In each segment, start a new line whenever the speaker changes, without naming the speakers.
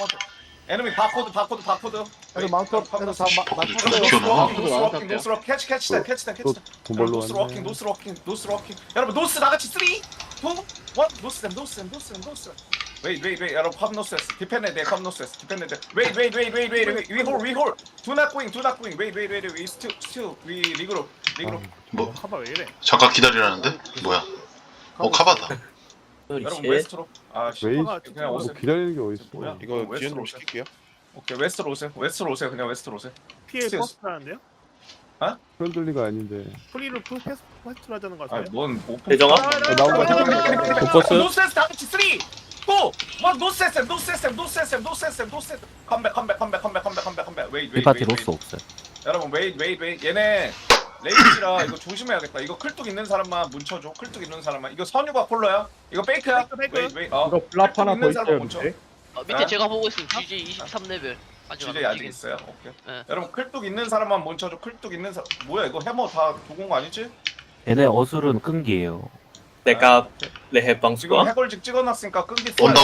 컴온. 에너미 바코드.
애들 마운트업 애들 다
노스로 캐치
돈벌로
노스 워킹 여러분 노스 다같이 3 2 1 노스 댐 웨이 여러분 컴 노스 디펜드 데 컴 노스 디펜드 데 웨이 위홀 do not going 웨이 still 위 리그로
뭐
카바 왜 이래?
잠깐 기다리라는데? 뭐야? 카바다.
여러분 웨스트로 아씨
웨이
그냥
뭐
오세요
기다리는 게 어딨어.
뭐야?
이거
웨스트로
디엔으로
오세요.
시킬게요.
오케이 웨스트로 오세요 그냥 웨스트로 오세요
PA
스티어스.
퍼스트라는데요?
프렌들리가 아닌데.
프리로 퍼스트로 하자는 거 같아요.
아뭔 오픈
대정아?
나온 거
포커스?
노스에스 다 같이 3 2 1 노스에스 컴백 웨이
이 파티 로스 없어요.
여러분 웨이 얘네 레이지라 이거 조심해야겠다 이거 클뚝 있는 사람만 뭉쳐줘 클뚝 있는 사람만 이거 선유가 폴로야 이거 페이크야
페이크.
웨이
이거 블랍 하나 더 있어요
뭉쳐
밑에.
밑에
아?
제가 보고 있습니다. GJ 23레벨. 아직 안
지뢰 아직
움직인.
있어요 오케이
네.
여러분 클뚝 있는 사람만 뭉쳐줘 클뚝 있는 사람 뭐야 이거 해머 다 두고 온 거 아니지?
얘네 어술은 끈기예요.
내가 레해
지금
방수가
해골직 찍어놨으니까 끈기
온다.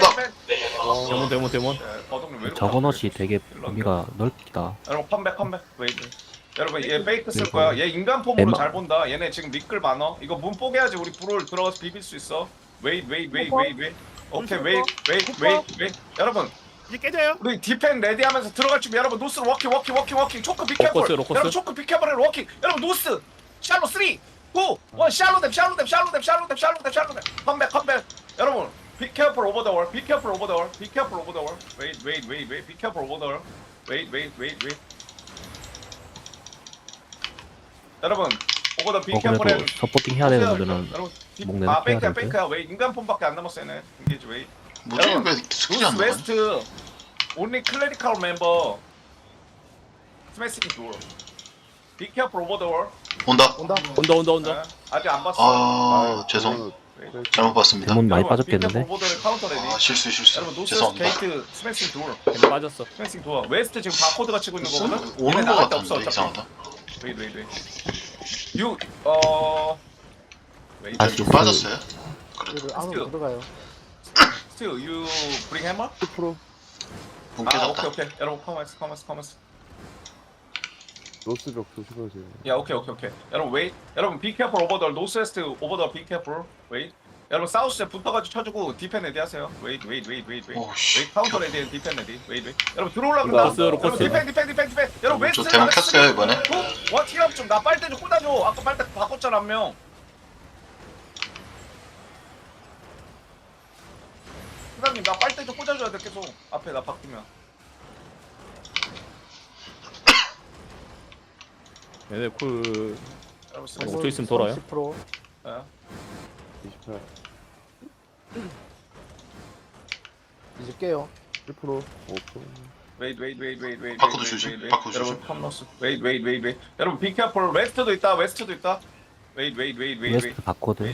데몬.
버독님 왜 이렇게
저건옷이 되게 범위가 넓다.
여러분 컴백 웨이 여러분 얘 페이크 쓸 거야 얘 인간 폼으로
엠마.
잘 본다 얘네 지금 미끌 많어 이거 문 뽀개야지 우리 불을 들어가서 비빌 수 있어 웨이 오케이 웨이 여러분
이제 깨져요.
우리 디펜 레디 하면서 들어갈 준비 여러분 노스로 워킹 초크 비켜볼 여러분 초크 비켜볼 워킹 여러분 노스 샬로 3 2 1 샬로 댐 컴백 여러분 be careful over the wall wait 여러분 오버 더 be careful
그래도
and
서포팅 해야 되는 분들은
여러분
목 내놓고 해야 되는데.
페이크야 왜 인간 폼밖에 안 남았어 얘네 인게이지 웨이
뭐지? 왜 스킬이 안
노스
나가냐?
웨스트 only clerical member smashing door be careful over the wall
온다.
온다.
아직 안 봤어
아 죄송. 잘못 봤습니다.
대문 많이
여러분,
빠졌겠는데?
be careful over the counter ready
아 실수.
여러분 노스
죄송합니다.
게이트 스매싱 도어
빠졌어.
스매싱 도어 웨스트 지금 바코드가 치고 있는 거거든
오는
얘네
거
나갈 데 없어
같은데
어차피
이상하다.
웨이 웨이
다시
좀 빠졌어요?
애들 안으로 들어가요.
still you bring hammer?
10%
문
아
깨졌다.
오케이 여러분 커머스
로스벽 조심하세요.
야 오케이 여러분 웨이 여러분 be careful over the northwest over the be careful 웨이 여러분 사우스에 붙어가지고 쳐주고 디펜 레디 하세요 웨이
오씨.
카운터 레디 디펜 레디 웨이 여러분 들어올라간다
로커스.
여러분 디펜 여러분
저
웨스트
대문 켰어요 이번에.
와 티업 좀나 빨대 좀 꽂아줘 아까 빨대 바꿨잖아 한명 사장님 나 빨대 좀 꽂아줘야 돼 계속 앞에 나 바뀌면
얘네 쿨
여러분
저 있으면 돌아요?
10%
예.
28 이제 깨요. 1% 5%
웨이
바코드 조심, 바코드
여러분
조심.
컴너스 웨이 여러분 be careful 웨스트도 있다 웨이
웨스트 바코드.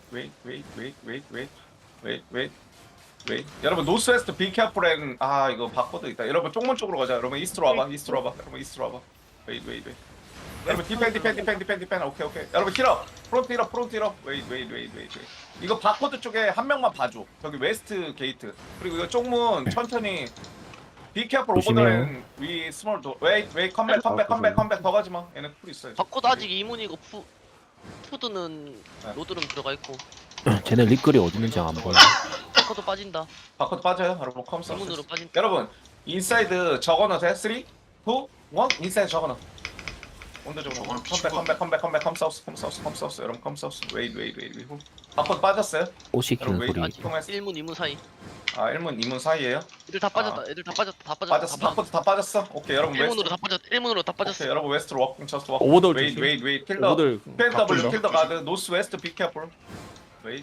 여러분 노스 웨스트 be careful and 아 이거 바코드 있다 여러분 쪽문 쪽으로 가자 여러분 이스트로 와봐 여러분 이스트로 와봐 웨이 여러분 디펜 오케이 여러분 힐업 프론트 힐업 웨이 이거 바코드 쪽에 한 명만 봐줘 저기 웨스트 게이트 그리고 이거 쪽문 천천히 be careful over
조심해요.
the 위 스몰 도 웨이 컴백 더 가지마 얘네 쿨 있어요
바코드 아직 이문이고 푸드는
네.
로드룸 들어가 있고
쟤네 리글이 어디 있는지 안 보여.
바코드 빠진다.
바코드 빠져요 여러분 컴스
이문으로 빠진다.
여러분 인사이드 적어넣어 돼? 3 2 1 인사이드 적어넣어 온도적으로 컴백 컴사우스 여러분 컴사우스 웨이 바코드 빠졌어요?
옷 시키는
여러분
소리.
웨이 통했어
1문 2문 사이.
아 1문 2문 사이에요?
애들 다 빠졌다. 애들 다 빠졌다.
빠졌어 바코드 다 빠졌어? 오케이 여러분 웨스트
1문으로 다 빠졌다. 1문으로 다 빠졌어.
오케이 여러분 웨스트로 워킹 저스트 워킹
오버돌
웨이
조심.
킬더
오버돌
PNW 킬더 가드 노스 웨스트 비 캐플 웨이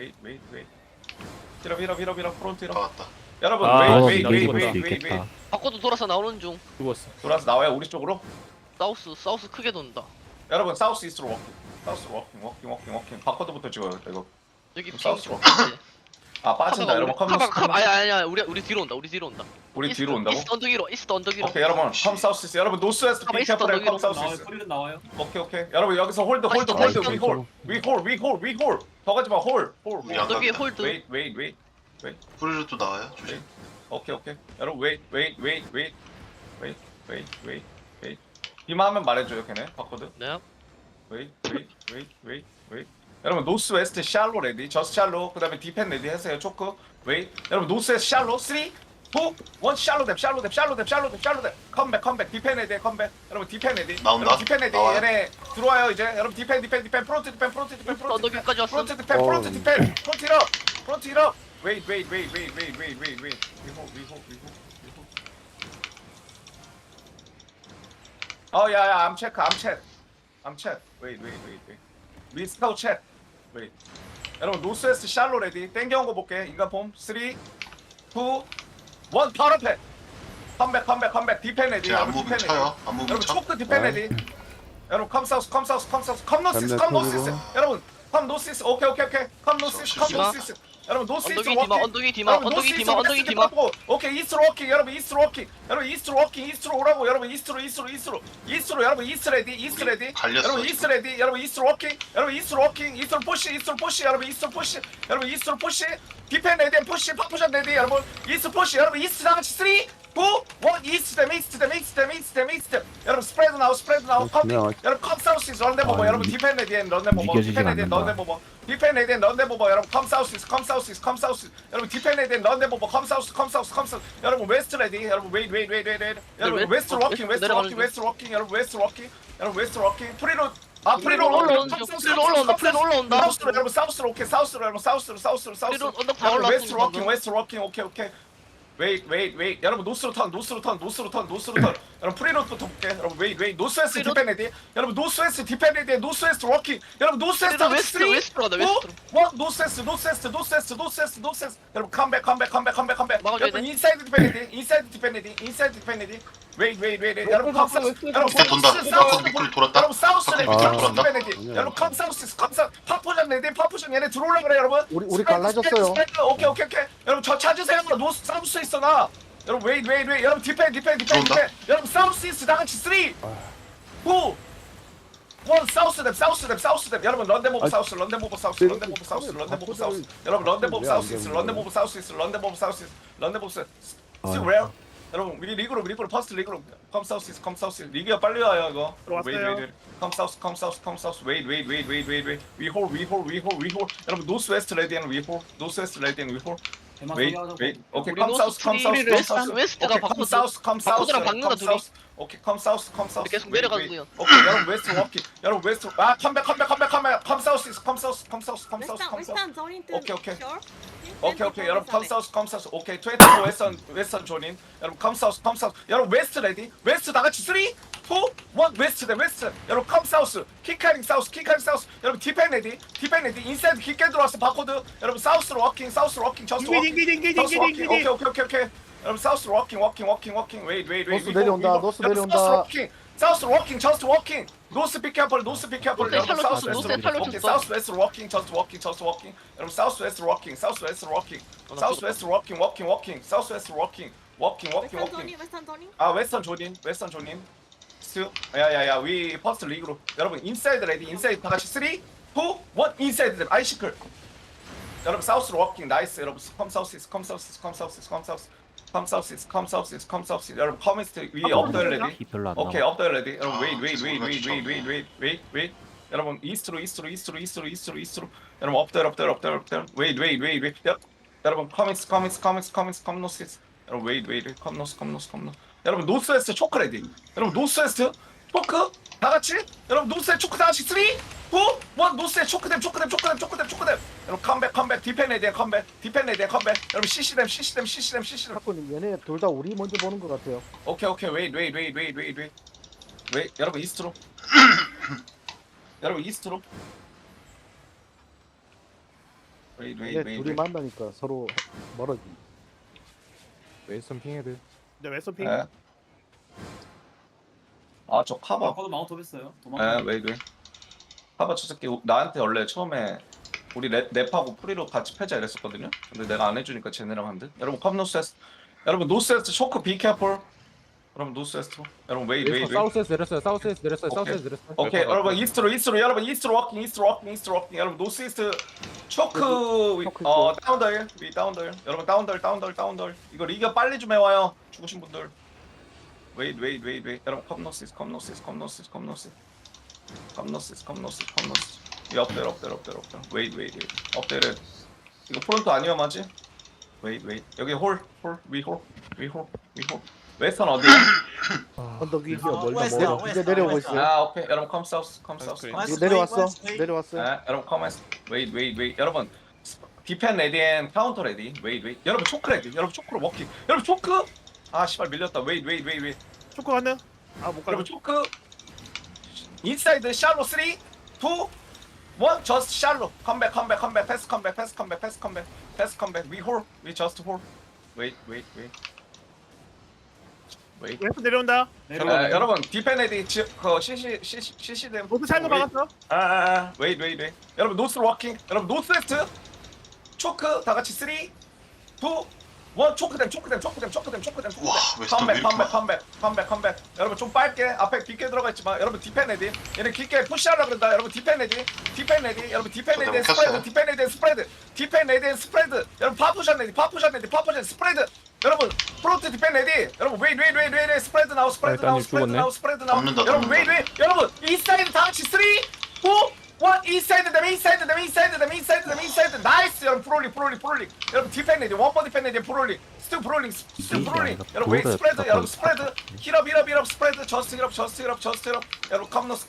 힐업 프론트 힐업
나왔다.
여러분
아,
웨이
나올 수 있겠다.
바코드 돌아서 나오는 중.
죽었어.
돌아서 나와요 우리 쪽으로
사우스 크게 돈다.
여러분 사우스 이스트로 워킹 바코드부터 찍어요 이거
여기 핑.
사우스로 아 빠진다 여러분 컴너스
아니야 우리 뒤로 온다.
우리 뒤로 온다고?
이스트 언덕 위로.
오케이 여러분 컴 사우스 이스트 여러분 노스 웨스트 비
이스트
캐플
언덕
컴 사우스
위로.
이스트 오케이 여러분 여기서 홀드 위홀 더 가지마 홀
언덕 위에 홀드.
웨이
뿌리로 또 나와요. 조심.
오케이. 여러분 wait. 이만 하면 말해줘요 걔네 바코드.
네.
wait. 여러분 노스 웨스트 샬로 레디. 저스 샬로. 그다음에 디펜 레디 하세요. 초크. wait. 여러분 노스 웨스트 샬로. 3 2 1 샬로 뎁. 컴백. 디펜 레디 컴백. 여러분 디펜 레디.
나온다.
여러분 디펜 레디.
나와요.
얘네 들어와요 이제. 여러분 디펜 프론트 디펜
언덕위까지 왔어.
프론트 디펜 프론트 힐업. wait. We hold. Oh yeah, I'm check. Wait. We scout check. Wait. 여러분 노스웨스트 샬로 레디. 땡겨온 거 볼게. 인간 폼. 3, 2, 1. 바로 앞에. 컴백. 디펜 레디.
제가 안 보면 쳐요. 안 보면
여러분
쳐.
초크 디펜 레디. 여러분 컴 노시스. 여러분 컴 노시스. 오케이. 컴 노시스. 여러분 노시스
언덕이 디마.
오케이 이스트로 워킹. 여러분 이스트로 오라고. 여러분 이스트로. 여러분 이스트 레디.
갈렸어,
여러분 이스트 레디. 여러분 이스트로 워킹. 이스트로 푸시. 여러분 이스트로 푸시. 디펜 레디 푸시. 파푸션 레디. 여러분 이스트 푸시. 여러분 이스트 다 같이 3 2 1 이스트 댐. 여러분 스프레드 나우.
그냥
여러분 컴 사우스 런데 보버.
아,
여러분 디펜 레디엔 런데 보버.
이겨지지가 않는다.
여러분 컴 사우스. 여러분 디펜 레디엔 런데 보버. 컴 사우스. 여러분 웨스트 레디. 여러분 웨이트. 여러분 웨스트 워킹. 여러분 웨스트 워킹. 프리로
올라온다.
여러분 사우스로 오케이. 사우스로.
프리로 언덕 다 올라왔어.
웨스트 워킹. 오케이. 웨이트. 여러분 노스로 턴. 여러분 프리로부터 볼게. 여러분 웨이트. 노스웨스트
프리로-
디펜 레디. 여러분 노스웨스트 디펜 레디. 노스웨스트 워킹. 여러분 노스웨스트
프리로 웨스트로 가자, 웨스트로.
노스웨스트. 여러분 컴백.
막아줘야
여러분
돼.
인사이드 디펜 레디. 웨이트. 여러분 컴 사우스. 여러분
밑에 돈다. 바코 밑으로 돌았다.
여러분 사우스 레디.
바코
아.
밑으로 돌았다.
디펜 레디. 여러분 컴 사우스. 파포션 레디. 얘네 들어올라 그래 여러분.
우리 갈라졌어요.
오케이. 여러분 저 찾으세요. 노스 사우스 있어 나. 여러분 웨이트. 여러분 디펜.
들어온다.
여러분 사우스 이스트 다 같이 3 2 1 사우스 댐. 여러분 런데모브 사우스. 여러분 런데모브 사우스. Still rare. 여러분 우리 리그로 퍼스트 리그로 컴 사우스. 리그야 빨리 와요 이거.
들어왔어요.
컴 사우스. 웨이트. We hold. 여러분 노스 웨스트 레디앤 we hold. 웨이트. 오케이
우리
컴
노스
사우스.
트리를 웨스트가 바코드. 바코드랑 박는다, 둘이.
오케이 컴 사우스.
우리 계속 내려가고요.
오케이 여러분 웨스트 워킹. 여러분 웨스트 컴백. 컴 사우스.
Western zoning to
오케이.
shore.
오케이 여러분 컴 사우스. 오케이 24 웨스턴 조닌. 여러분 컴 사우스. 여러분 웨스트 레디. 웨스트 다 같이 3 2 1 웨스트. 여러분 컴 사우스. 킥카링 사우스. 여러분 디펜 레디. 인사이드 깊게 들어왔어 바코드. 여러분 사우스로 워킹. 저스트 워킹. 오케이. 여러분 사우스로 워킹. 웨이트.
노스 내려온다.
사우스로 워킹. 저스트 워킹. 노스 피켓볼.
노스에
여러분
샬롯
사우스
쳤어,
웨스트.
노스에 샬롯
오케이
쳤어.
사우스 웨스트 워킹. 저스트 워킹. 여러분 사우스 웨스트 워킹. 사우스 웨스트 워킹.
Western zoning.
아 웨스턴 조닌. 야야야 위 퍼스트 리그로. 여러분 인사이드 레디. 인사이드 다 같이 3 2 1 인사이드 댐. 아이시클. 여러분 사우스로 워킹. 나이스. 여러분 컴 사우스. 여러분 커미스트 위 업더 레디.
피 별로 안
오케이
나와.
업더 레디. 여러분
아,
웨이트. 여러분 이스트로. 여러분 업더. 웨이트. 여러분 커미스. 컴 노시스. 여러분 웨이트. 컴 노스. 여러분 노스웨스트 초크 레디. 여러분 노스웨스트 초크 다 같이. 여러분 노스웨스트 초크 다 같이 3 2 1 노스웨스트 초크 댐. 여러분 컴백. 디펜 레디 컴백. 여러분 CC댐.
사건님 얘네 둘 다 우리 먼저 보는 것 같아요.
오케이 웨이트. 여러분 이스트로.
얘네 둘이 만나니까 서로 멀어지.
웨스턴 핑헤드.
네, 웨스턴
예. 아저 카바.
바코드 마운트 했어요.
웨이트. 카바 저 새끼 나한테 원래 처음에 우리 랩하고 프리로 같이 패자 이랬었거든요. 근데 내가 안 해주니까 쟤네랑 한 듯. 여러분 컴 노스웨스트. 여러분 노스웨스트 초크 비캐폴. 여러분 노스웨스트로. 여러분 웨이 웨이 웨이.
사우스에서 내렸어요. 사우스에서 내렸어요.
오케이.
사우스에서 내렸어요.
오케이 여러분 이스트로 여러분 이스트로 워킹 여러분 노스 이스트 초크 다운덜 위 다운덜 여러분 다운덜 이거 리그 빨리 좀 해와요 죽으신 분들 웨이 여러분 컴노스 이 업데일 웨이 업데일 이거 프론트 안 위험하지? 웨이 여기 홀 웨스턴 어디야?
언덕 위.
웨스트,
이제 내려오고 있어요.
아 오케이 여러분 컴 사우스
이거 내려왔어요.
네, 여러분 커맨스 웨이 여러분 디펜 레디 앤 카운터 레디 웨이 여러분 초크 레디 여러분 초크로 워킹 여러분 초크 아 씨발 밀렸다 웨이
초코 갔네. 아못 가.
여러분 초크 인사이드 샬로 3 2 1 저스트 샬로 컴백 패스 컴백 위 저스트 홀 웨이
웨스트 내려온다.
여러분 디펜 레디 그 CC 댐
모두 샬로 막았어.
웨이 여러분 노스로 워킹 여러분 노스웨스트 초크 다 같이 3 2 1 초크댐
와, 웨스턴 왜 이렇게
컴백 여러분 좀 빨게 앞에 깊게 들어가 있지만 여러분 디펜 레디 얘네 깊게 푸시하려 그런다 여러분 디펜 레디 여러분 디펜 레디 스프레드 여러분 파푸션 레디 스프레드 여러분 프론트 디펜 레디 여러분 웨이 스프레드 나우
잡는다,
여러분 웨이 여러분 인사이드 다 같이 3 2 1 인사이드 나이스 여러분 프롤링 여러분 디펜 레디 원버 디펜 레디 프롤링 스틸 프롤링 여러분 웨이 스프레드 여러분 스프레드 힐업 스프레드 저스트 힐업 여러분 컴너스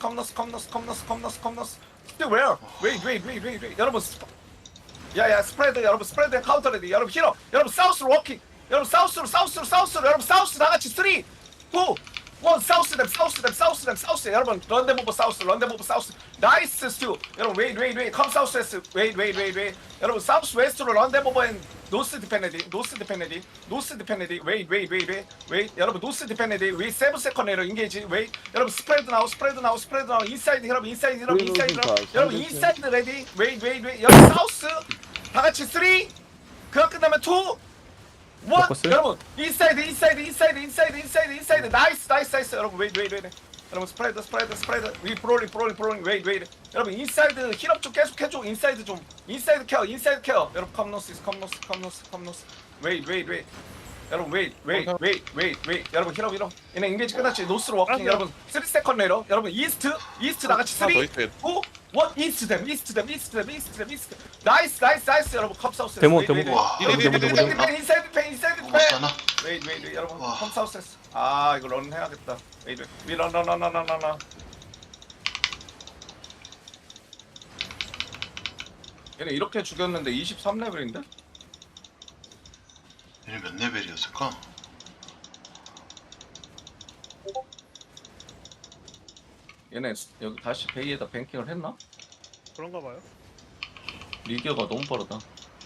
스틸 웨어 웨이 여러분 야야 스프레드 여러분 스프레드 카운터 레디 여러분 힐업 여러분 사우스로 워킹 여러분 사우스로 여러분 사우스 다 같이 3 2 1 사우스 여러분 런데모버 사우스 나이스 스튜 여러분 웨이 컴 사우스 웨이 여러분 사우스 웨스트로 런데모버 앤 노스 디펜레디 웨이 여러분 노스 디펜레디 웨이 세븐 세컨 레러 인게이지 웨이 여러분 스프레드 나우 인사이드 여러분 여러분 인사이드 레디 웨이 여러분 사우스 다 같이 3 그거 끝나면 2 여러분 인사이드 나이스 여러분 웨이 여러분 스프레드 위 프롤링 웨이 여러분 인사이드 힐업 좀 계속 해줘 인사이드 케어 여러분 컴노스 웨이 여러분 웨이 여러분 힐업 얘네 인게이지 끝났지 노스로 워킹 여러분 3세컨 레러 여러분 이스트 나같이 3 2 1 이스트댐 나이스 여러분 컵사우스
데모.
인사이드 펜
먹었어 하나?
웨이 여러분
와.
컴사우스 아 이거 런 해야겠다 웨이 런 얘네 이렇게 죽였는데 23레벨인데?
얘네 몇 레벨이었을까?
얘네 여기 다시 베이에다 뱅킹을 했나?
그런가 봐요.
리기어가 너무 빠르다